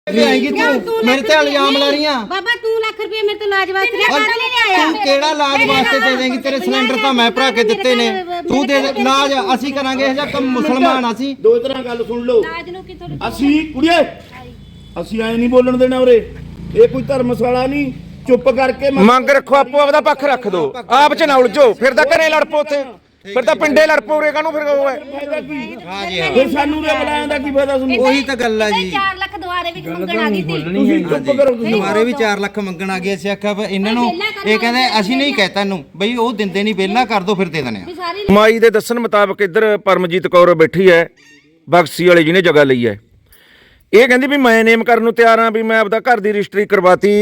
मेरे ते इल्जाम ला रही हैं बाबा तू लाख रुपए मेरे तो लाज वास्ते लिया तू केड़ा लाज वास्ते दे देंगी तेरे सिलेंडर तो मैं भरा के दिते ने तू दे लाज ਅਸੀਂ ਕਰਾਂਗੇ ਇਹ ਜਿਹਾ ਕੰਮ ਮੁਸਲਮਾਨ ਅਸੀਂ ਦੋ ਤਰ੍ਹਾਂ ਗੱਲ ਸੁਣ ਲਓ ਅਸੀਂ ਕੁੜੀਏ ਅਸੀਂ ਐ ਨਹੀਂ ਬੋਲਣ ਦੇਣਾ ਉਰੇ ਇਹ ਕੋਈ ਧਰਮਸ਼ਾਲਾ ਨਹੀਂ ਚੁੱਪ ਕਰਕੇ ਮੰਗ ਰੱਖੋ ਆਪੋ ਆਪਦਾ ਪੱਖ ਰੱਖ ਦੋ ਆਪ ਚ ਨਾ ਉਲਝੋ ਫਿਰ ਤਾਂ ਘਰੇ ਲੜ ਪੋ ਉੱਥੇ ਫਿਰ ਤਾਂ ਪਿੰਡੇ ਲੜ ਪੋ ਉਰੇ ਕਾਹਨੂੰ ਫਿਰ ਹਾਂ ਜੀ ਫਿਰ ਸਾਨੂੰ ਰੇ ਬੁਲਾਇਆ ਦਾ ਕੀ ਫਾਇਦਾ ਤੁਹਾਨੂੰ ਉਹੀ ਤਾਂ ਗੱਲ ਆ ਜੀ 4 ਲੱਖ ਦੁਆਰੇ ਵਿੱਚ ਮੰਗਣ ਆ ਗਈ ਸੀ ਤੁਸੀਂ ਚੁੱਪ ਕਰੋ ਤੁਸੀਂ ਦੁਬਾਰੇ ਵੀ 4 ਲੱਖ ਮੰਗਣ ਆ ਗਏ ਅਸੀਂ ਆਖਿਆ ਵੀ ਇਹਨਾਂ ਨੂੰ ਇਹ ਕਹਿੰਦੇ ਅਸੀਂ ਨਹੀਂ ਕਹਿਤਾ ਇਹਨੂੰ ਬਈ ਉਹ ਦਿੰਦੇ ਨਹੀਂ ਵਿਹਲਾ ਕਰ ਦੋ ਫਿਰ ਦੇ ਦਨੇ ਆ ਮਾਈ ਦੇ ਦੱਸਣ ਮੁਤਾਬਕ ਇੱਧਰ ਪਰਮਜੀਤ ਕੌਰ ਬੈਠੀ ਹੈ ਬਖਸ਼ੀ ਵਾਲੇ ਜਿਹਨੇ ਜਗ੍ਹਾ ਲਈ ਹੈ ਇਹ ਕਹਿੰਦੀ ਵੀ ਮੈਂ ਨੇਮ ਕਰਨ ਨੂੰ ਤਿਆਰ ਹਾਂ ਵੀ ਮੈਂ ਆਪਦਾ ਘਰ ਦੀ ਰਜਿਸਟਰੀ ਕਰਵਾਤੀ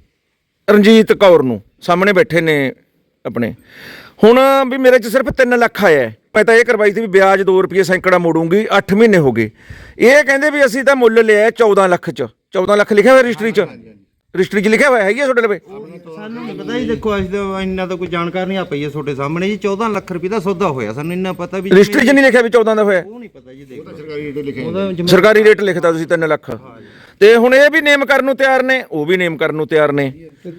ਰਣਜੀਤ ਕੌਰ ਨੂੰ ਸਾਹਮਣੇ ਬੈਠੇ ਨੇ ਆਪਣੇ ਹੁਣ ਵੀ ਮੇਰੇ 'ਚ ਸਿਰਫ 3 ਲੱਖ ਆਇਆ ਮੈਂ ਤਾਂ ਇਹ ਕਰਵਾਈ ਸੀ ਵੀ ਵਿਆਜ 2 ਰੁਪਏ ਸੈਂਕੜਾ ਮੋੜੂੰਗੀ 8 ਮਹੀਨੇ ਹੋ ਗਏ ਇਹ ਕਹਿੰਦੇ ਵੀ ਅਸੀਂ ਤਾਂ ਮੁੱਲ ਲਿਆ 14 ਲੱਖ 'ਚ 14 ਲੱਖ ਲਿਖਿਆ ਹੋਇਆ ਰਜਿਸਟਰੀ 'ਚ ਲਿਖਿਆ ਹੋਇਆ ਹੈਗੀ ਤੁਹਾਡੇ ਲਵੇ ਸਾਨੂੰ ਨਹੀਂ ਪਤਾ ਜੀ ਦੇਖੋ ਅਸੀਂ ਤਾਂ ਇੰਨਾ ਤਾਂ ਕੋਈ ਜਾਣਕਾਰ ਨਹੀਂ ਆ ਪਈ ਹੈ ਤੁਹਾਡੇ ਸਾਹਮਣੇ ਜੀ 14 ਲੱਖ ਰੁਪਏ ਦਾ ਸੌਦਾ ਹੋਇਆ ਸਾਨੂੰ ਇੰਨਾ ਪਤਾ ਵੀ ਰਜਿਸਟਰੀ 'ਚ ਨਹੀਂ ਲਿਖਿਆ ਵੀ 14 ਦਾ ਹੋਇਆ ਉਹ ਨਹੀਂ ਪਤਾ ਜੀ ਦੇਖੋ ਸਰਕਾਰੀ ਰੇਟ ਲਿਖਦਾ ਤੁਸੀਂ 3 ਲੱਖ ਤੇ ਹੁਣ ਇਹ ਵੀ ਨੇਮ ਕਰਨ ਨੂੰ ਤਿਆਰ ਨੇ ਉਹ ਵੀ ਨੇਮ ਕਰਨ ਨੂੰ ਤਿਆਰ ਨੇ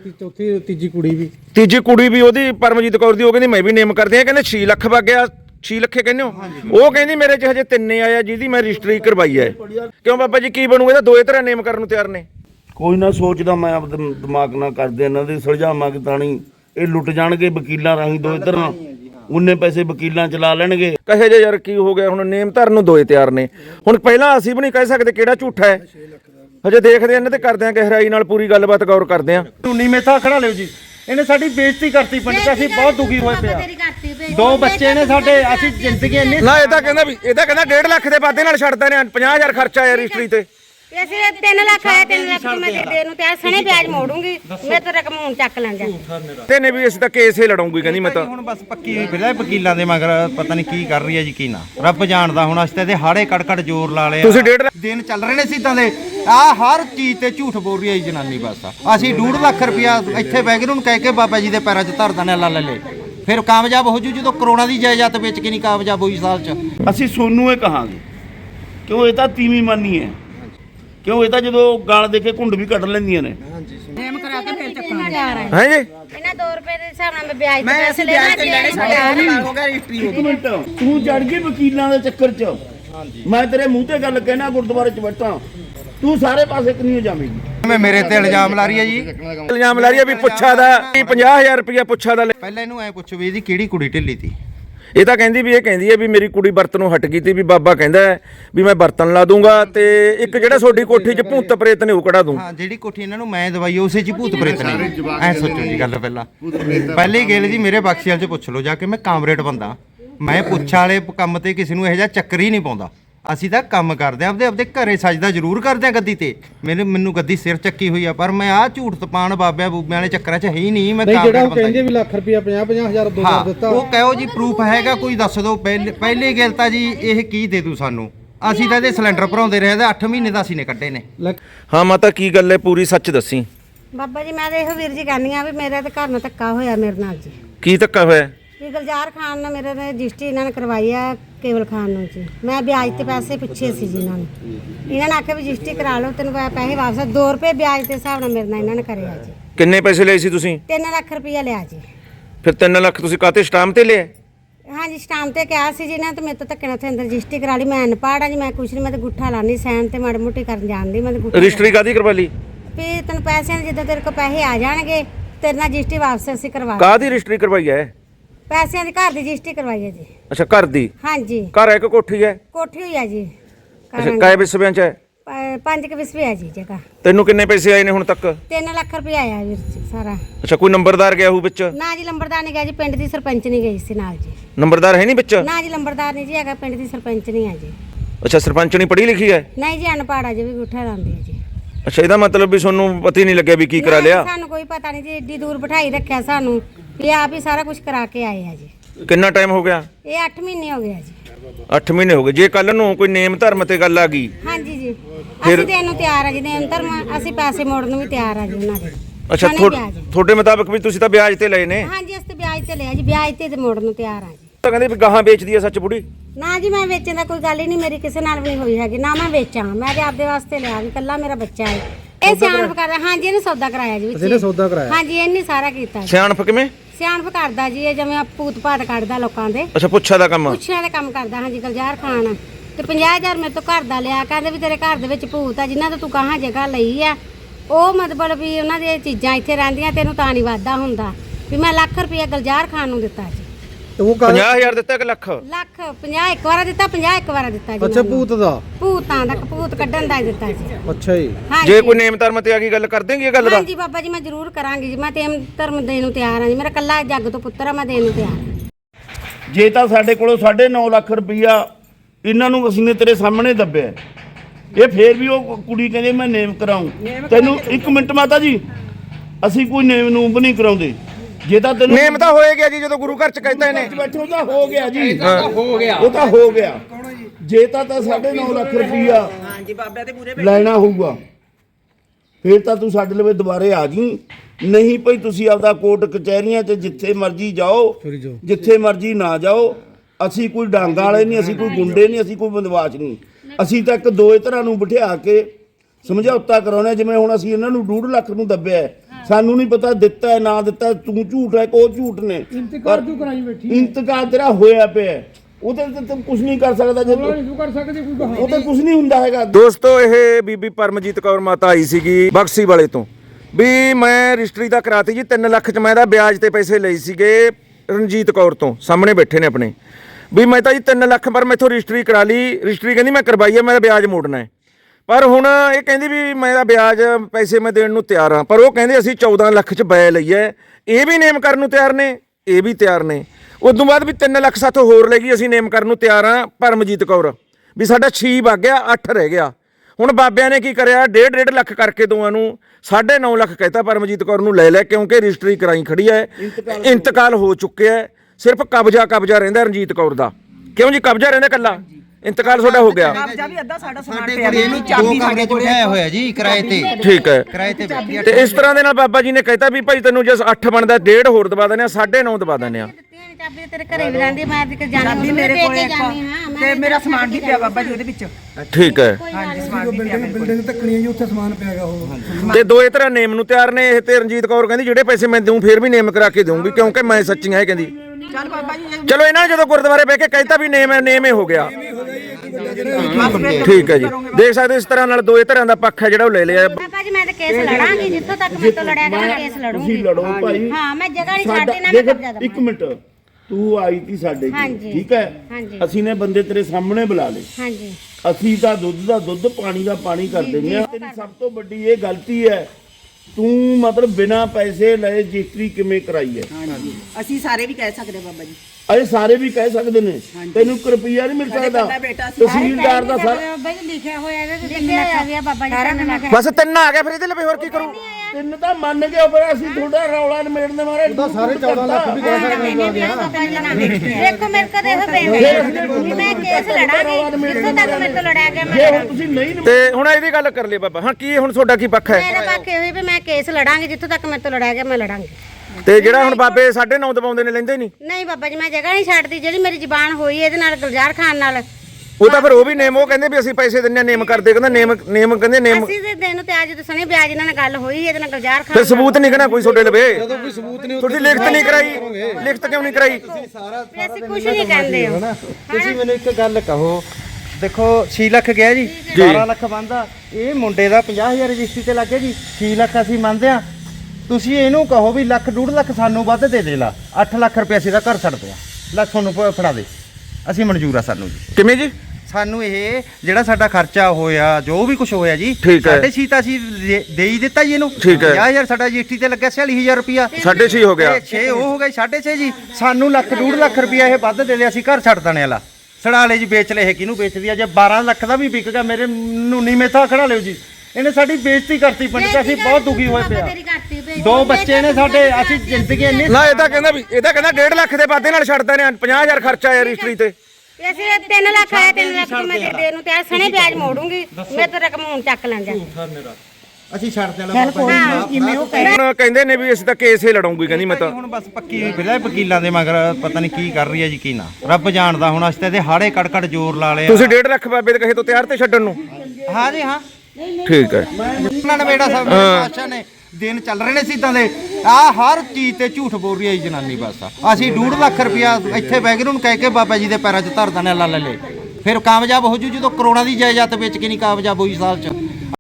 ਤੀਜੀ ਕੁੜੀ ਵੀ ਉਹਦੀ ਪਰਮਜੀਤ ਕੌਰ ਦੀ ਉਹ ਕਹਿੰਦੀ ਮੈਂ ਵੀ ਨੇਮ ਕਰਦੀ ਆ ਕਹਿੰਦੇ 6 ਲੱਖ ਵਗ ਗਿਆ 6 ਲੱਖੇ ਕਹਿੰਦੇ ਹੋ ਉਹ ਕਹਿੰਦੀ ਮੇਰੇ 'ਚ ਹਜੇ 3 ਆਇਆ ਜਿਹਦੀ ਮੈਂ ਰਜਿਸਟਰੀ ਕਰਵਾਈ ਹੈ ਕਿਉਂ ਬਾਬਾ ਜੀ ਕੀ ਬਣੂਗਾ ਦੋਏ ਤਰ੍ਹਾਂ ਨੇਮ ਕਰਨ ਨੂੰ ਤਿਆਰ ਨੇ ਕੋਈ ਨਾ ਸੋਚਦਾ ਮੈਂ ਆਪ ਦਿਮਾਗ ਨਾਲ ਕਰਦੇ ਇਹਨਾਂ ਦੇ ਸੁਲਝਾਵਾਂ ਕਿ ਤਾਣੀ ਇਹ ਲੁੱਟ ਜਾਣਗੇ ਵਕੀਲਾਂ ਰਾਹੀਂ ਦੋ ਇਧਰ ਨਾਲ ਉਹਨੇ ਪੈਸੇ ਵਕੀਲਾਂ ਚਲਾ ਲੈਣਗੇ ਕਹੇ ਜੇ ਯਾਰ ਕੀ ਹੋ ਗਿਆ ਹੁਣ ਨੇਮ ਧਰਨ ਨੂੰ ਦੋਏ ਤਿਆਰ ਨੇ ਹੁਣ ਪਹਿਲਾਂ ਅਸੀਂ ਵੀ ਨਹੀਂ ਕਹਿ ਸਕਦੇ ਕਿਹੜਾ ਝੂਠਾ ਹੈ ਹਜੇ ਦੇਖਦੇ ਇਹਨਾਂ ਤੇ ਕਰਦੇ ਆ ਗਹਿਰਾਈ ਨਾਲ ਪੂਰੀ ਗੱਲਬਾਤ ਗੌਰ ਕਰਦੇ ਆ ਟੂਨੀ ਮੇਥਾ ਖੜਾ ਲਿਓ ਜੀ ਇਹਨੇ ਸਾਡੀ ਬੇਇੱਜ਼ਤੀ ਕਰਤੀ ਪਿੰਡ 'ਚ ਅਸੀਂ ਬਹੁਤ ਦੁਖੀ ਹੋਏ ਪਿਆ 2 ਬੱਚੇ ਨੇ ਸਾਡੇ ਅਸੀਂ ਜ਼ਿੰਦਗੀ ਇੰਨੀ ਨਾ ਇਹ ਤਾਂ ਕਹਿੰਦਾ 1.5 ਲੱਖ ਦੇ ਵਾਧੇ ਨਾਲ ਛੱਡਦੇ ਨੇ 50000 ਖਰਚਾ ਆਇਆ ਰਜਿਸਟਰੀ ਤੇ ਅਸੀਂ 3 ਲੱਖ ਆਇਆ 3 ਲੱਖ ਮੈਂ ਦੇ ਦੇ ਨੂੰ ਤੇ ਸਣੇ ਵਿਆਜ ਮੋੜੂੰਗੀ ਮੈਂ ਤਾਂ ਰਕਮ ਹੁਣ ਚੱਕ ਲਾਂ ਜਾ ਤੇ ਨੇ ਵੀ ਅਸੀਂ ਤਾਂ ਕੇਸ ਹੀ ਲੜਾਂਗੀ ਕਹਿੰਦੀ ਮੈਂ ਤਾਂ ਹੁਣ ਬਸ ਪੱਕੀ ਹੋਈ ਫਿਰਦਾ ਵਕੀਲਾਂ ਦੇ ਮਗਰ ਪਤਾ ਨਹੀਂ ਕੀ ਕਰ ਰਹੀ ਹੈ ਜੀ ਕੀ ਨਾ ਰੱਬ ਜਾਣਦਾ ਹੁਣ ਅਸੀਂ ਤਾਂ ਇਹਦੇ ਹਾੜੇ ਕੜਕੜ ਜ਼ੋਰ ਲਾ ਲਿਆ ਤੁਸੀਂ 1.5 ਲੱਖ ਦਿਨ ਚੱਲ ਰਹੇ ਨੇ ਸਿੱਧਾਂ ਦੇ ਆ ਹਰ ਚੀਜ਼ ਤੇ ਝੂਠ ਬੋਲ ਰਹੀ ਹੈ ਜੀ ਜਨਾਨੀ ਬਸ ਅਸੀਂ 2.5 ਲੱਖ ਰੁਪਇਆ ਇੱਥੇ ਬੈਗ ਨੂੰ ਕਹਿ ਕੇ ਬਾਬਾ ਜੀ ਦੇ ਪੈਰਾਂ 'ਚ ਧਰ ਦਨੇ ਲਾ ਲੈ ਫਿਰ ਕਾਮਯਾਬ ਹੋ ਜੂ ਜਦੋਂ ਕਰੋਨਾ ਦੀ ਜਾਇਦਾਦ ਵੇਚ ਕੇ ਨਹੀਂ ਕਾਮਯਾਬ ਹੋਈ ਸਾਲ 'ਚ ਅਸੀਂ ਸੋਨੂੰ ਇਹ ਕਹਾਂਗੇ ਕਿਉਂ ਇਹ ਤਾਂ ਤੀਵੀਂ ਮਾਨੀ ਹੈ ਕਿਉਂ ਇਹ ਤਾਂ ਜਦੋਂ ਗਾਲ ਦੇ ਕੇ ਘੁੰਡ ਵੀ ਕੱਢ ਲੈਂਦੀਆਂ ਨੇ ਨੇਮ ਕਰਾ ਕੇ ਫਿਰ ਚੱਕਾਂਗੇ ਹੈ ਜੀ ਇਹਨਾਂ 2 ਰੁਪਏ ਦੇ ਹਿਸਾਬ ਨਾਲ ਮੈਂ ਵਿਆਜ ਤੇ ਪੈਸੇ ਲੈਣਾ ਹੋ ਗਿਆ ਰਜਿਸਟਰੀ ਇੱਕ ਮਿੰਟ ਤੂੰ ਚੜ ਗਈ ਵਕੀਲਾਂ ਦੇ ਚੱਕਰ 'ਚ ਮੈਂ ਤੇਰੇ ਮੂੰਹ ਤੇ ਗੱਲ ਕਹਿਣਾ ਗੁਰਦੁਆਰੇ 'ਚ ਬੈਠਾ ਤੂੰ ਸਾਰੇ ਪਾਸੇ ਕਿੰਨੀ ਜਾਵੇਂਗੀ ਮੈਂ ਮੇਰੇ ਤੇ ਇਲਜ਼ਾਮ ਲਾ ਰਹੀ ਹੈ ਜੀ ਇਲਜ਼ਾਮ ਲਾ ਰਹੀ ਹੈ ਵੀ ਪੁੱਛਾ ਦਾ 50000 ਰੁਪਇਆ ਪੁੱਛਾ ਦਾ ਪਹਿਲਾਂ ਇਹਨੂੰ ਐ ਪੁੱਛੋ ਵੀ ਇਹਦੀ ਕਿਹੜੀ ਕੁੜੀ ਢਿੱਲੀ ਤੀ ਇਹ ਤਾਂ ਕਹਿੰਦੀ ਹੈ ਵੀ ਮੇਰੀ ਕੁੜੀ ਵਰਤਨੋਂ ਹਟ ਗਈ ਤੀ ਵੀ ਬਾਬਾ ਕਹਿੰਦਾ ਵੀ ਮੈਂ ਬਰਤਨ ਲਾ ਦੂੰਗਾ ਤੇ ਇੱਕ ਜਿਹੜਾ ਤੁਹਾਡੀ ਕੋਠੀ 'ਚ ਭੂਤ ਪ੍ਰੇਤ ਨੇ ਉਹ ਕਢਾ ਦੂੰ ਹਾਂ ਜਿਹੜੀ ਕੋਠੀ ਇਹਨਾਂ ਨੂੰ ਮੈਂ ਦਵਾਈ ਉਸੇ 'ਚ ਭੂਤ ਪ੍ਰੇਤ ਨੇ ਐ ਸੋਚੋ ਜੀ ਗੱਲ ਪਹਿਲੀ ਗੱਲ ਜੀ ਮੇਰੇ ਬਖਸ਼ੀਵਾਲ 'ਚ ਪੁੱਛ ਲਓ ਜਾ ਕੇ ਮੈਂ ਕਾਮਰੇਡ ਬੰਦਾ ਮੈਂ ਪੁੱਛਾਂ ਵਾਲੇ ਕੰਮ ਤੇ ਕਿਸੇ ਨੂੰ ਇਹੋ ਜਿਹਾ ਚੱਕਰ ਹੀ ਨਹੀਂ ਪਾਉਂਦਾ ਅਸੀਂ ਤਾਂ ਕੰਮ ਕਰਦੇ ਆਂ ਆਪਦੇ ਘਰੇ ਸਜਦਾ ਜ਼ਰੂਰ ਕਰਦੇ ਆਂ ਗੱਦੀ ਤੇ ਮੈਨੂੰ ਗੱਦੀ ਸਿਰ ਚੱਕੀ ਹੋਈ ਆ ਪਰ ਮੈਂ ਆਹ ਝੂਠ ਤਪਾਨ ਬਾਬਿਆਂ ਬੂਬਿਆਂ ਵਾਲੇ ਚੱਕਰਾਂ 'ਚ ਹੈ ਹੀ ਨਹੀਂ ਮੈਂ ਜਿਹੜਾ ਉਹ ਕਹਿੰਦੇ ਵੀ ਲੱਖ ਰੁਪਇਆ 50,000 2000 ਦਿੱਤਾ ਉਹ ਕਹੋ ਜੀ ਪ੍ਰੂਫ ਹੈਗਾ ਕੋਈ ਦੱਸ ਦਿਓ ਪਹਿਲੀ ਗੱਲ ਤਾਂ ਜੀ ਇਹ ਕੀ ਦੇ ਦੂ ਸਾਨੂੰ ਅਸੀਂ ਤਾਂ ਇਹਦੇ ਸਿਲੰਡਰ ਭਰਾਉਂਦੇ ਰਹੇ ਤੇ 8 ਮਹੀਨੇ ਦਾ ਅਸੀਂ ਨੇ ਕੱਢੇ ਨੇ ਹਾਂ ਮਾਤਾ ਕੀ ਗੱਲ ਹੈ ਪੂਰੀ ਸੱਚ ਦੱਸੀ ਬਾਬਾ ਜੀ ਮੈਂ ਤਾਂ ਇਹੋ ਵੀਰ ਜੀ ਕਹਿੰਦੀ ਆ ਵੀ ਮੇਰੇ ਤੇ ਘਰ ਨੂੰ ਧੱਕਾ ਹੋਇਆ ਮੇਰੇ ਨਾਲ ਜੀ ਕੀ ਧੱਕਾ ਹੋਇਆ ਵੀ ਗੁਲਜ਼ਾਰ ਖਾਨ ਨੇ ਮੇਰੇ ਤੇ ਰਜਿਸਟਰੀ ਇਹਨਾਂ ਨੇ ਕਰਵਾਈ ਆ ਕੇਵਲ ਖਾਨ ਨੂੰ ਜੀ ਮੈਂ ਵਿਆਜ ਤੇ ਪੈਸੇ ਪਿੱਛੇ ਸੀ ਜੀ ਇਹਨਾਂ ਨੇ ਆਖਿਆ ਵੀ ਰਜਿਸਟਰੀ ਕਰਾ ਲਓ ਤੈਨੂੰ ਪੈਸੇ ਵਾਪਸ 2 ਰੁਪਏ ਵਿਆਜ ਦੇ ਹਿਸਾਬ ਨਾਲ ਮੇਰੇ ਨਾਲ ਇਹਨਾਂ ਨੇ ਕਰਿਆ ਜੀ ਕਿੰਨੇ ਪੈਸੇ ਲਏ ਸੀ ਤੁਸੀਂ 3 ਲੱਖ ਰੁਪਇਆ ਲਿਆ ਜੀ ਫਿਰ 3 ਲੱਖ ਤੁਸੀਂ ਕਾਤੇ ਸਟਾਮ ਤੇ ਲਿਆ ਹਾਂਜੀ ਸਟਾਮ ਤੇ ਕਿਹਾ ਸੀ ਜੀ ਨਾ ਤੇ ਮੇਰੇ ਤੋਂ ਧੱਕੇ ਨਾਲ ਉੱਥੇ ਅੰਦਰ ਰਜਿਸਟਰੀ ਕਰਾ ਲਈ ਮੈਂ ਅਨਪੜ੍ਹ ਆ ਜੀ ਮੈਂ ਕੁਛ ਨਹੀਂ ਮੈਂ ਤਾਂ ਗੁੱਠਾ ਲਾਣੀ ਸੈਨ ਤੇ ਮਾੜੀ ਮੋਟੀ ਕਰਨ ਜਾਣਦੀ ਮੈਂ ਤਾਂ ਰਜਿਸਟਰੀ ਕਾਦੀ ਕਰਵਾ ਲਈ ਵੀ ਤੈਨੂੰ ਪੈਸਿਆਂ ਦੇ ਜਿੱਦਾਂ ਤੇਰੇ ਕੋਲ ਪੈਸੇ ਆ ਜਾਣਗੇ ਤੇਰੇ ਨਾਲ ਰਜਿਸਟਰੀ ਵਾਪਸ ਅਸੀਂ ਕਰਵਾ ਕਾਦੀ ਰਜਿਸਟਰੀ ਕਰਵਾਈ ਹੈ ਪੈਸਿਆਂ ਦੀ ਘਰ ਦੀ ਰਜਿਸਟਰੀ ਕਰਵਾਈ ਹੈ ਜੀ ਅੱਛਾ ਘਰ ਦੀ ਹਾਂਜੀ ਘਰ ਹੈ ਕਿ ਕੋਠੀ ਹੈ ਕੋਠੀ ਹੋਈ ਆ ਜੀ ਅੱਛਾ ਕਾਏ ਵਿਸਵਿਆਂ ਚ ਹੈ 5 ਵਿਸਵੇ ਆ ਜੀ ਜਗ੍ਹਾ ਤੈਨੂੰ ਕਿੰਨੇ ਪੈਸੇ ਆਏ ਨੇ ਹੁਣ ਤੱਕ 3 ਲੱਖ ਰੁਪਇਆ ਆਇਆ ਵੀਰ ਜੀ ਸਾਰਾ ਅੱਛਾ ਕੋਈ ਨੰਬਰਦਾਰ ਗਿਆ ਹੋਊ ਵਿੱਚ ਨਾ ਜੀ ਲੰਬਰਦਾਰ ਨਹੀਂ ਗਿਆ ਜੀ ਪਿੰਡ ਦੀ ਸਰਪੰਚ ਨਹੀਂ ਗਈ ਸੀ ਨਾਲ ਜੀ ਨੰਬਰਦਾਰ ਹੈ ਨਹੀਂ ਵਿੱਚ ਨਾ ਜੀ ਲੰਬਰਦਾਰ ਨਹੀਂ ਜੀ ਹੈਗਾ ਪਿੰਡ ਦੀ ਸਰਪੰਚ ਨਹੀਂ ਆ ਜੀ ਅੱਛਾ ਸਰਪੰਚ ਨਹੀਂ ਪੜ੍ਹੀ ਲਿਖੀ ਹੈ ਨਹੀਂ ਜੀ ਅਨਪੜ੍ਹ ਆ ਜੀ ਵੀ ਗੁੱਠਾ ਲਾਉਂਦੀ ਹੈ ਜੀ ਅੱਛਾ ਇਹਦਾ ਮਤਲਬ ਵੀ ਤੁਹਾਨੂੰ ਪਤਾ ਹੀ ਨਹੀਂ ਲੱਗਿਆ ਵੀ ਕੀ ਕਰਾ ਲਿਆ ਸਾਨੂੰ ਕੋਈ ਪਤਾ ਨਹੀਂ ਜੀ ਏਡੀ ਦੂਰ ਬਿਠਾਈ ਰੱਖਿਆ ਸਾਨੂੰ ਵੀ ਆਪ ਹੀ ਸਾਰਾ ਕੁਝ ਕਰਾ ਕੇ ਆਏ ਆ ਜੀ ਕਿੰਨਾ ਟਾਈਮ ਹੋ ਗਿਆ ਇਹ 8 ਮਹੀਨੇ ਹੋ ਗਿਆ ਜੀ 8 ਮਹੀਨੇ ਹੋ ਗਏ ਜੇ ਕੱਲ ਨੂੰ ਕੋਈ ਨੇਮ ਧਰਮ ਤੇ ਗੱਲ ਆ ਗਈ ਹਾਂਜੀ ਜੀ ਅਸੀਂ ਦੇਣ ਨੂੰ ਤਿਆਰ ਆ ਜੀ ਨੇਮ ਧਰਮ ਅਸੀਂ ਪੈਸੇ ਮੋੜਨ ਨੂੰ ਵੀ ਤਿਆਰ ਆ ਜੀ ਉਹਨਾਂ ਦੇ ਅੱਛਾ ਤੁਹਾਡੇ ਮੁਤਾਬਕ ਵੀ ਤੁਸੀਂ ਤਾਂ ਵਿਆਜ ਤੇ ਲਏ ਨੇ ਹਾਂਜੀ ਅਸੀਂ ਤੇ ਵਿਆਜ ਤੇ ਲਿਆ ਜੀ ਵਿਆਜ ਤੇ ਮੋੜਨ ਨੂੰ ਤਿਆਰ ਆ ਜੀ ਤਾਂ ਕਹਿੰਦੇ ਵੀ ਗਾਹਾਂ ਵੇਚਦੀ ਆ ਸੱਚ ਬੁੜੀ। ਨਾ ਜੀ ਮੈਂ ਵੇਚਣ ਦਾ ਕੋਈ ਗੱਲ ਹੀ ਨਹੀਂ, ਮੇਰੀ ਕਿਸੇ ਨਾਲ ਵੀ ਨਹੀਂ ਹੋਈ ਹੈਗੀ, ਨਾ ਮੈਂ ਵੇਚਾਂ, ਮੈਂ ਤੇ ਆਪਦੇ ਵਾਸਤੇ ਲਿਆ ਵੀ ਕੱਲਾ ਮੇਰਾ ਬੱਚਾ ਹੈ। ਇਹ ਸਿਆਣਪ ਕਰਦਾ, ਹਾਂਜੀ ਇਹਨੇ ਸੌਦਾ ਕਰਾਇਆ ਜੀ ਵਿੱਚ ਇਹਨੇ ਸੌਦਾ ਕਰਾਇਆ। ਹਾਂਜੀ ਇਹਨੇ ਸਾਰਾ ਕੀਤਾ ਜੀ। ਸਿਆਣਪ ਕਿਵੇਂ? ਸਿਆਣਪ ਕਰਦਾ ਜੀ, ਇਹ ਜਿਵੇਂ ਭੂਤ ਭਾਤ ਕੱਢਦਾ ਲੋਕਾਂ ਦੇ, ਅੱਛਾ ਪੁੱਛਾ ਦਾ ਕੰਮ। ਪੁੱਛਿਆਂ ਦਾ ਕੰਮ ਕਰਦਾ। ਹਾਂਜੀ ਗੁਲਜ਼ਾਰ ਖਾਨ ਤੇ 50,000 ਮੇਰੇ ਤੋਂ ਘਰ ਦਾ ਲਿਆ, ਕਹਿੰਦੇ ਵੀ ਤੇਰੇ ਘਰ ਦੇ ਵਿੱਚ ਭੂਤ ਆ ਜਿਨ੍ਹਾਂ ਤੋਂ ਤੂੰ ਕਹਾਂ ਜਗ੍ਹਾ ਲਈ ਆ, ਉਹ ਮਤਲਬ ਵੀ ਉਹਨਾਂ ਦੀਆਂ ਚੀਜ਼ਾਂ ਇੱਥੇ ਰਹਿੰਦੀਆਂ, ਤੈਨੂੰ ਤਾਂ ਨਹੀਂ ਵਾਧਾ ਹੁੰਦਾ ਵੀ ਮੈਂ ਲੱਖ ਰੁਪਇਆ ਗੁਲਜ਼ਾਰ ਖਾਨ ਨੂੰ ਦਿੱਤਾ ਜੀ। ਉਹ 50,000 ਦਿੱਤਾ ਕਿ ਲੱਖ? ਲੱਖ 50 ਇੱਕ ਵਾਰ ਦਿੱਤਾ, 50 ਇੱਕ ਵਾਰ ਦਿੱਤਾ ਜੀ। ਅੱਛਾ ਭੂਤ ਦਾ? ਭੂਤਾਂ ਦਾ ਭੂਤ ਕੱਢਣ ਦਾ ਹੀ ਦਿੱਤਾ ਜੀ। ਅੱਛਾ ਜੀ। ਹਾਂਜੀ ਜੇ ਕੋਈ ਨੇਮ ਧਰਮ ਤੇ ਆ ਗਈ ਗੱਲ ਕਰ ਦੇਂਗੀ ਇਹ ਗੱਲ ਦਾ? ਹਾਂਜੀ ਬਾਬਾ ਜੀ ਮੈਂ ਜ਼ਰੂਰ ਕਰਾਂਗੀ ਜੀ, ਮੈਂ ਤੇ ਧਰਮ ਦੇਣ ਨੂੰ ਤਿਆਰ ਹਾਂ ਜੀ, ਮੇਰਾ ਕੱਲਾ ਜੱਗ ਤੋਂ ਪੁੱਤਰ ਆ, ਮੈਂ ਦੇਣ ਨੂੰ ਤਿਆਰ ਹਾਂ। ਜੇ ਤਾਂ ਸਾਡੇ ਕੋਲੋਂ 9.5 ਲੱਖ ਰੁਪਈਆ ਇਹਨਾਂ ਨੂੰ ਅਸੀਂ ਨੇ ਤੇਰੇ ਸਾਹਮਣੇ ਦੱਬਿਆ, ਇਹ ਫੇਰ ਵੀ ਉਹ ਕੁੜੀ ਕਹਿੰਦੀ ਮੈਂ ਨੇਮ ਕਰਾਉਂ ਤੈਨੂੰ। ਇੱਕ ਮਿੰਟ ਮਾਤਾ ਜੀ, ਅਸੀਂ ਕੋਈ ਨੇਮ ਨੂੰ ਵੀ ਨਹੀਂ ਕਰਾਉਂਦੇ। ਜੇ ਤਾਂ ਤੈਨੂੰ ਨੇਮ ਤਾਂ ਹੋਏ ਗਿਆ ਜੀ, ਜਦੋਂ ਗੁਰੂ ਘਰ ਚ ਕਹਿੰਦਾ ਇਹਨੇ। ਬੈਠੋ ਤਾਂ ਹੋ ਗਿਆ ਜੀ, ਉਹ ਤਾਂ ਹੋ ਗਿਆ। ਜੇ ਤਾਂ 9.5 ਲੱਖ ਰੁਪਈਆ ਲੈਣਾ ਹੋਊਗਾ ਫੇਰ ਤਾਂ ਤੂੰ ਸਾਡੇ ਲਵੇ ਦੁਬਾਰੇ ਆ ਜੀ, ਨਹੀਂ ਭਈ ਤੁਸੀਂ ਆਪਦਾ ਕੋਰਟ ਕਚਹਿਰੀਆਂ 'ਚ ਜਿੱਥੇ ਮਰਜ਼ੀ ਜਾਓ, ਜਿੱਥੇ ਮਰਜ਼ੀ ਨਾ ਜਾਓ। ਅਸੀਂ ਕੋਈ ਡਾਂਗਾ ਵਾਲੇ ਨਹੀਂ, ਅਸੀਂ ਕੋਈ ਗੁੰਡੇ ਨਹੀਂ, ਅਸੀਂ ਕੋਈ ਬੰਦਵਾਸ਼ ਨਹੀਂ। ਅਸੀਂ ਤਾਂ ਇੱਕ ਦੋਏ ਤਰ੍ਹਾਂ ਨੂੰ ਬਿਠਾ ਕੇ ਸਮਝੌਤਾ ਕਰਾਉਣਾ। ਜਿਵੇਂ ਹੁਣ ਅਸੀਂ ਇਹਨਾਂ ਨੂੰ 2.5 ਲੱਖ ਨੂੰ ਦੱਬਿਆ, ਸਾਨੂੰ ਨਹੀਂ ਪਤਾ ਦਿੱਤਾ ਹੈ ਨਾ ਦਿੱਤਾ, ਤੂੰ ਝੂਠ ਹੈ ਕੋ ਝੂਠ ਨੇ। ਇੰਤਕਾਲ ਤੂੰ ਕਰਾਈ ਬੈਠੀ, ਇੰਤਕਾਲ ਤੇਰਾ ਹੋਇਆ ਪਿਆ, ਉਹਦੇ ਤੇ ਤੂੰ ਕੁਝ ਨਹੀਂ ਕਰ ਸਕਦਾ। ਜੇ ਉਹ ਤੇ ਕੁਝ ਨਹੀਂ ਹੁੰਦਾ ਹੈਗਾ। ਦੋਸਤੋ ਇਹ ਬੀਬੀ ਪਰਮਜੀਤ ਕੌਰ ਮਾਤਾ ਆਈ ਸੀਗੀ ਬਕਸੀ ਵਾਲੇ ਤੋਂ, ਵੀ ਮੈਂ ਰਜਿਸਟਰੀ ਤਾਂ ਕਰਾਤੀ ਜੀ, 3 ਲੱਖ ਚ ਮੈਂ ਦਾ ਵਿਆਜ ਤੇ ਪੈਸੇ ਲਏ ਸੀਗੇ ਰਣਜੀਤ ਕੌਰ ਤੋਂ, ਸਾਹਮਣੇ ਬੈਠੇ ਨੇ ਆਪਣੇ, ਵੀ ਮੈਂ ਤਾਂ ਜੀ 3 ਲੱਖ ਪਰ ਮੈਥੋਂ ਰਜਿਸਟਰੀ ਕਰਾ ਲਈ। ਰਜਿਸਟਰੀ ਕਹਿੰਦੀ ਮੈਂ ਕਰਵਾਈ ਹੈ, ਮੈਂ ਵਿਆਜ ਮੋੜਨਾ ਹੈ। ਪਰ ਹੁਣ ਇਹ ਕਹਿੰਦੀ ਵੀ ਮੈਂ ਤਾਂ ਵਿਆਜ ਪੈਸੇ ਮੈਂ ਦੇਣ ਨੂੰ ਤਿਆਰ ਹਾਂ, ਪਰ ਉਹ ਕਹਿੰਦੇ ਅਸੀਂ 14 ਲੱਖ ਚ ਬੈ ਲਈ ਹੈ। ਇਹ ਵੀ ਨੇਮ ਕਰਨ ਨੂੰ ਤਿਆਰ ਨੇ, ਇਹ ਵੀ ਤਿਆਰ ਨੇ। ਉਦੋਂ ਬਾਅਦ ਵੀ 3 ਲੱਖ ਸਾਥੋਂ ਹੋਰ ਲੈ ਗਈ, ਅਸੀਂ ਨੇਮ ਕਰਨ ਨੂੰ ਤਿਆਰ ਹਾਂ ਪਰਮਜੀਤ ਕੌਰ, ਵੀ ਸਾਡਾ 6 ਵਗ ਗਿਆ, 8 ਰਹਿ ਗਿਆ। ਹੁਣ ਬਾਬਿਆਂ ਨੇ ਕੀ ਕਰਿਆ, 1.5 ਲੱਖ ਕਰਕੇ ਦੋਵਾਂ ਨੂੰ 9.5 ਲੱਖ ਕਹਿਤਾ ਪਰਮਜੀਤ ਕੌਰ ਨੂੰ ਲੈ ਲੈ, ਕਿਉਂਕਿ ਰਜਿਸਟਰੀ ਕਰਾਈ ਖੜੀ ਹੈ, ਇੰਤਕਾਲ ਹੋ ਚੁੱਕਿਆ ਹੈ, ਸਿਰਫ ਕਬਜ਼ਾ ਰਹਿੰਦਾ ਰਣਜੀਤ ਕੌਰ ਦਾ। ਕਿਉਂ ਜੀ? ਕਬਜ਼ਾ ਰਹਿੰਦਾ ਕੱਲਾ, ਇੰਤਕਾਲ ਤੁਹਾਡਾ ਹੋ ਗਿਆ। ਸਾਡੇ ਕੋਲ ਇਹਨੂੰ 2 ਕਮਰੇ ਚ ਬਿਠਾਇਆ ਹੋਇਆ ਜੀ ਕਿਰਾਏ ਤੇ। ਠੀਕ ਹੈ, ਕਿਰਾਏ ਤੇ ਬੈਠੀ ਆ। ਤੇ ਇਸ ਤਰ੍ਹਾਂ ਦੇ ਨਾਲ ਬਾਬਾ ਜੀ ਨੇ ਕਹਿਤਾ ਵੀ ਭਾਈ ਤੈਨੂੰ ਜੇ 8 ਬਣਦਾ 1.5 ਹੋਰ ਦਵਾ ਦਿੰਦੇ ਆ, 9.5 ਦਵਾ ਦਿੰਦੇ ਆ। ਚਾਬੀ ਤੇਰੇ ਘਰੇ ਵੀ ਰਹਿੰਦੀ, ਮੈਂ ਤੇ ਜਾਣੀ ਮੇਰੇ ਕੋਲੇ ਤੇ ਮੇਰਾ ਸਮਾਨ ਵੀ ਪਿਆ ਬਾਬਾ ਜੀ ਉਹਦੇ ਵਿੱਚ। ਠੀਕ ਹੈ, ਹਾਂਜੀ ਸਮਾਨ ਵੀ ਪਿਆ। ਬਿਲਡਿੰਗ ਤੱਕਣੀ ਜੀ, ਉੱਥੇ ਸਮਾਨ ਪਿਆਗਾ ਉਹ। ਤੇ ਦੋਏ ਤਰ੍ਹਾਂ ਨੇਮ ਨੂੰ ਤਿਆਰ ਨੇ ਇਹ। ਤੇ ਰਣਜੀਤ ਕੌਰ ਕਹਿੰਦੀ ਜਿਹੜੇ ਪੈਸੇ ਮੈਂ ਦਊਂ ਫੇਰ ਵੀ ਨੇਮ ਕਰਾ ਕੇ ਦਊਂਗੀ, ਕਿਉਂਕਿ ਮੈਂ ਸੱਚੀਆਂ ਹੈ ਕਹਿੰਦੀ। ਚੱਲ ਬਾਬਾ ਜੀ ਚਲੋ ਇਹਨਾਂ ਨੇ ਜਦੋਂ ਗੁਰਦੁਆਰੇ ਬਹਿ ਕੇ ਕਹਿਤਾ ਵੀ ਨੇਮ ਹੈ, ਨੇਮ ਹੀ ਹੋ ਗਿਆ। ਠੀਕ ਹੈ ਜੀ, ਦੇਖ ਸਕਦੇ ਇਸ ਤਰ੍ਹਾਂ ਨਾਲ ਦੋਏ ਤਰ੍ਹਾਂ ਦਾ ਪੱਖ ਹੈ ਜਿਹੜਾ ਉਹ ਲੈ ਲਿਆ। ਬਾਬਾ ਜੀ ਮੈਂ ਤਾਂ ਕੇਸ ਲੜਾਂਗੀ, ਜਿੱਥੋਂ ਤੱਕ ਮੇਰੇ ਤੋਂ ਲੜਿਆ ਗਿਆ ਮੈਂ ਕੇਸ ਲੜੂੰਗੀ। ਤੁਸੀਂ ਲੜੋ ਭਾਈ। ਹਾਂ ਮੈਂ ਜਗ੍ਹਾ ਨਹੀਂ ਛੱਡਦੀ ਨਾ, ਮੈਂ ਕਬਜ਼ਾ ਦਵਾਂ। ਇੱਕ ਮਿੰਟ, ਤੂੰ ਆਈ ਤੀ ਸਾਡੇ ਕੋਲ, ਹਾਂਜੀ। ਠੀਕ ਹੈ? ਹਾਂਜੀ। ਅਸੀਂ ਨੇ ਬੰਦੇ ਤੇਰੇ ਸਾਹਮਣੇ ਬੁਲਾ ਲਏ, ਹਾਂਜੀ ਅਸੀਂ ਤਾਂ ਦੁੱਧ ਦਾ ਦੁੱਧ ਪਾਣੀ ਦਾ ਪਾਣੀ ਕਰ ਦਿੰਦੇ ਆ। ਤੇਰੀ ਸਭ ਤੋਂ ਵੱਡੀ ਇਹ ਗਲਤੀ ਹੈ, ਤੂੰ ਮਤਲਬ ਬਿਨਾਂ ਪੈਸੇ ਲਏ ਰਜਿਸਟਰੀ ਕਿਵੇਂ ਕਰਾਈ ਹੈ? ਅਸੀਂ ਸਾਰੇ ਵੀ ਕਹਿ ਸਕਦੇ ਬਾਬਾ ਜੀ। ਅਰੇ ਸਾਰੇ ਵੀ ਕਹਿ ਸਕਦੇ ਨੇ, ਤੈਨੂੰ 1 ਰੁਪਿਆ ਨਹੀਂ ਮਿਲ ਸਕਦਾ। ਤਹਿਸੀਲਦਾਰ ਦਾ ਸਾਰਾ ਬਾਬਾ ਜੀ ਲਿਖਿਆ ਹੋਇਆ ਇਹਦੇ ਤੇ ਲਿਖਿਆ ਹੋਇਆ ਬਾਬਾ ਜੀ ਦਾ। ਬਸ 3 ਆ ਗਿਆ, ਫਿਰ ਇਹਦੇ ਲਈ ਹੋਰ ਕੀ ਕਰੂ? 3 ਤਾਂ ਮੰਨ ਗਏ, ਪਰ ਅਸੀਂ ਥੋੜਾ ਰੌਲਾ ਨਿਮੇੜਨ ਮਾਰੇ ਸਾਰੇ 14 ਲੱਖ ਵੀ ਕਹਿ ਸਕਦੇ ਦੇਖੋ ਮੇਰੇ ਕੋਲ ਦੇਖੋ ਬੇਨਤੀ, ਮੈਂ ਕੇਸ ਲੜਾਂਗੀ, ਜਿੱਥੋਂ ਤੱਕ ਮੇਰੇ ਤੋਂ ਲੜਿਆ ਗਿਆ ਮੈਂ ਜੇ ਹੁਣ ਲੜਾਂਗੀ। ਤੁਸੀਂ ਨਹੀਂ ਤੇ ਹੁਣ ਇਹਦੀ ਗੱਲ ਕਰ ਲਈ ਬਾਬਾ। ਹਾਂ ਕੀ ਹੁਣ ਤੁਹਾਡਾ ਕੀ ਪੱਖ ਹੈ? ਮੇਰਾ ਪੱਖ ਇਹ ਹੋਈ ਵੀ ਮੈਂ ਕੇਸ ਲੜਾਂਗੀ, ਜਿੱਥੋਂ ਤੱਕ ਮੇਰੇ ਤੋਂ ਲੜਿਆ ਗਿਆ ਮੈਂ ਲੜਾਂਗੀ। ਤੇ ਜਿਹੜਾ ਹੁਣ ਬਾਬੇ 9.5 ਦਵਾਉਂਦੇ ਨੇ ਲੈਂਦੇ ਨਹੀਂ? ਨਹੀਂ ਬਾਬਾ ਜੀ ਮੈਂ ਜਗ੍ਹਾ ਨਹੀਂ ਛੱਡਦੀ, ਜਿਹੜੀ ਮੇਰੀ ਜ਼ਬਾਨ ਹੋਈ ਇਹਦੇ ਨਾਲ ਗੁਲਜ਼ਾਰ ਖਾਨ ਨਾਲ। ਉਹ ਤਾਂ ਫਿਰ ਉਹ ਵੀ ਨੇਮ, ਉਹ ਕਹਿੰਦੇ ਵੀ ਅਸੀਂ ਪੈਸੇ ਦਿੰਨੇ ਆ, ਨੇਮ ਕਰਦੇ, ਕਹਿੰਦਾ ਨੇਮ ਕਹਿੰਦੇ ਨੇਮ। ਅਸੀਂ ਦੇ ਦਿਨ ਤੇ ਅੱਜ ਸਣੇ ਵਿਆਜ ਇਹਨਾਂ ਨਾਲ ਗੱਲ ਹੋਈ ਇਹਦੇ ਨਾਲ ਗੁਲਜ਼ਾਰ ਖਾਨ। ਫਿਰ ਸਬੂਤ ਨਹੀਂ ਕਹਿਣਾ ਕੋਈ ਤੁਹਾਡੇ ਲਵੇ? ਜਦੋਂ ਕੋਈ ਸਬੂਤ ਨਹੀਂ, ਤੁਹਾਡੀ ਲਿਖਤ ਨਹੀਂ ਕਰਾਈ, ਲਿਖਤ ਕਿਉਂ ਨਹੀਂ ਕਰਾਈ? ਅਸੀਂ ਕੁਝ ਨਹੀਂ ਕਹਿੰਦੇ ਹੋ। ਤੁਸੀਂ ਮੈਨੂੰ ਇੱਕ ਗੱਲ ਕਹੋ, ਦੇਖੋ 6 ਲੱਖ ਗਿਆ ਜੀ, 12 ਲੱਖ ਬਣਦਾ, ਇਹ ਮੁੰਡੇ ਦਾ 50,000 ਰਜਿਸਟਰੀ ਤੇ ਲੱਗ ਗਿਆ ਜੀ, 6 ਲੱਖ ਅਸੀਂ ਮੰਨਦੇ ਆ। ਤੁਸੀਂ ਇਹਨੂੰ ਕਹੋ ਵੀ 1.5 ਲੱਖ ਸਾਨੂੰ ਵੱਧ ਦੇ ਦੇ, ਲਾ 8 ਲੱਖ ਰੁਪਏ ਅਸੀਂ ਦਾ ਘਰ ਛੱਡ ਦਿਆ, ਲੈ ਤੁਹਾਨੂੰ ਫੜਾ ਦੇ, ਅਸੀਂ ਮਨਜ਼ੂਰ ਆ ਸਾਨੂੰ ਜੀ। ਕਿਵੇਂ ਜੀ? ਸਾਨੂੰ ਇਹ ਜਿਹੜਾ ਸਾਡਾ ਖਰਚਾ ਹੋਇਆ, ਜੋ ਵੀ ਕੁਝ ਹੋਇਆ ਜੀ, ਠੀਕ ਹੈ। 6.5 ਤਾਂ ਅਸੀਂ ਦੇ ਹੀ ਦਿੱਤਾ ਜੀ ਇਹਨੂੰ। ਠੀਕ ਹੈ। 50,000 ਸਾਡਾ ਰਜਿਸਟਰੀ ਤੇ ਲੱਗਿਆ, 46,000 ਰੁਪਿਆ 6.5 ਹੋ ਗਿਆ। 6 ਉਹ ਹੋ ਗਏ 6.5 ਜੀ। ਸਾਨੂੰ 1.5 ਲੱਖ ਰੁਪਇਆ ਇਹ ਵੱਧ ਦੇ ਦੇ, ਅਸੀਂ ਘਰ ਛੱਡ ਦਣੇ ਵਾਲਾ ਸੜਾਲੇ ਜੀ। ਵੇਚ ਲਏ, ਕਿਹਨੂੰ ਵੇਚਦੀ ਆ? ਜੇ 12 ਲੱਖ ਦਾ ਵੀ ਵਿਕ ਗਿਆ ਮੇਰੇ ਨੂੰ ਨਹੀਂ ਮੇਥਾ ਖੜਾ ਲਿਓ ਜੀ। ਇਹਨੇ ਸਾਡੀ ਬੇਇੱਜ਼ਤੀ ਕਰਤੀ ਪਿੰਡ 'ਚ, ਅਸੀਂ ਬਹੁਤ ਦੁਖੀ ਹੋਏ ਪਿਆ। 2 ਬੱਚੇ ਨੇ ਸਾਡੇ, ਅਸੀਂ ਜ਼ਿੰਦਗੀ ਇੰਨੀ ਨਾ ਇਹ ਤਾਂ ਕਹਿੰਦਾ ਵੀ, ਇਹ ਤਾਂ ਕਹਿੰਦਾ 1.5 ਲੱਖ ਦੇ ਵਾਧੇ ਨਾਲ ਛੱਡਦੇ ਨੇ, 50,000 ਖਰਚਾ ਆਇਆ ਰਜਿਸਟਰੀ ਤੇ। ਅਸੀਂ 3 ਲੱਖ ਆਇਆ, 3 ਲੱਖ ਤੋਂ ਮੈਂ ਦੇ ਨੂੰ ਤੇ ਸਣੇ ਵਿਆਜ ਮੋੜੂੰਗੀ, ਮੇਰੇ ਤੋਂ ਰਕਮ ਹੁਣ ਚੱਕ ਲੈਣ ਜਾ। ਅਸੀਂ ਛੱਡ ਦੇਣਾ ਬਾਬਾ ਜੀ ਹੁਣ ਕਹਿੰਦੇ ਨੇ ਵੀ ਅਸੀਂ ਤਾਂ ਕੇਸ ਹੀ ਲੜਾਂਗੇ ਕਹਿੰਦੀ ਮੈਂ ਤਾਂ ਹੁਣ ਬਸ ਪੱਕੀ ਹੋਈ ਫਿਰਦਾ ਵਕੀਲਾਂ ਦੇ ਮਗਰ ਪਤਾ ਨਹੀਂ ਕੀ ਕਰ ਰਹੀ ਹੈ ਜੀ ਕੀ ਨਾ ਰੱਬ ਜਾਣਦਾ ਹੁਣ ਅਸੀਂ ਤਾਂ ਇਹਦੇ ਹਾੜੇ ਕੜਕੜ ਜ਼ੋਰ ਲਾ ਲਿਆ ਤੁਸੀਂ 1.5 ਲੱਖ ਬਾਬੇ ਦੇ ਕਹੇ ਤੋਂ ਤਿਆਰ ਤੇ ਛੱਡਣ ਨੂੰ ਹਾਂ ਜੀ ਹਾਂ ਠੀਕ ਹੈ ਉਹਨਾਂ ਨੇ ਬੇੜਾ ਸਾਹਿਬ ਬਾਦਸ਼ਾਹ ਨੇ ਦਿਨ ਚੱਲ ਰਹੇ ਨੇ ਸੀ ਤਾਂ ਦੇ ਆ ਹਰ ਚੀਜ਼ ਤੇ ਝੂਠ ਬੋਲ ਰਹੀ ਹੈ ਜੀ ਜਨਾਨੀ ਬਸ ਅਸੀਂ 2.5 ਲੱਖ ਰੁਪਇਆ ਇੱਥੇ ਬੈਗਰੂ ਨੂੰ ਕਹਿ ਕੇ ਬਾਬਾ ਜੀ ਦੇ ਪੈਰਾਂ 'ਚ ਧਰ ਦਨੇ ਲਾ ਲੈ ਫਿਰ ਕਾਮਯਾਬ ਹੋ ਜੂ ਜਦੋਂ ਕਰੋੜਾਂ ਦੀ ਜਾਇਦਾਦ ਵੇਚ ਕੇ ਨਹੀਂ ਕਾਮਯਾਬ ਹੋਈ ਸਾਲ 'ਚ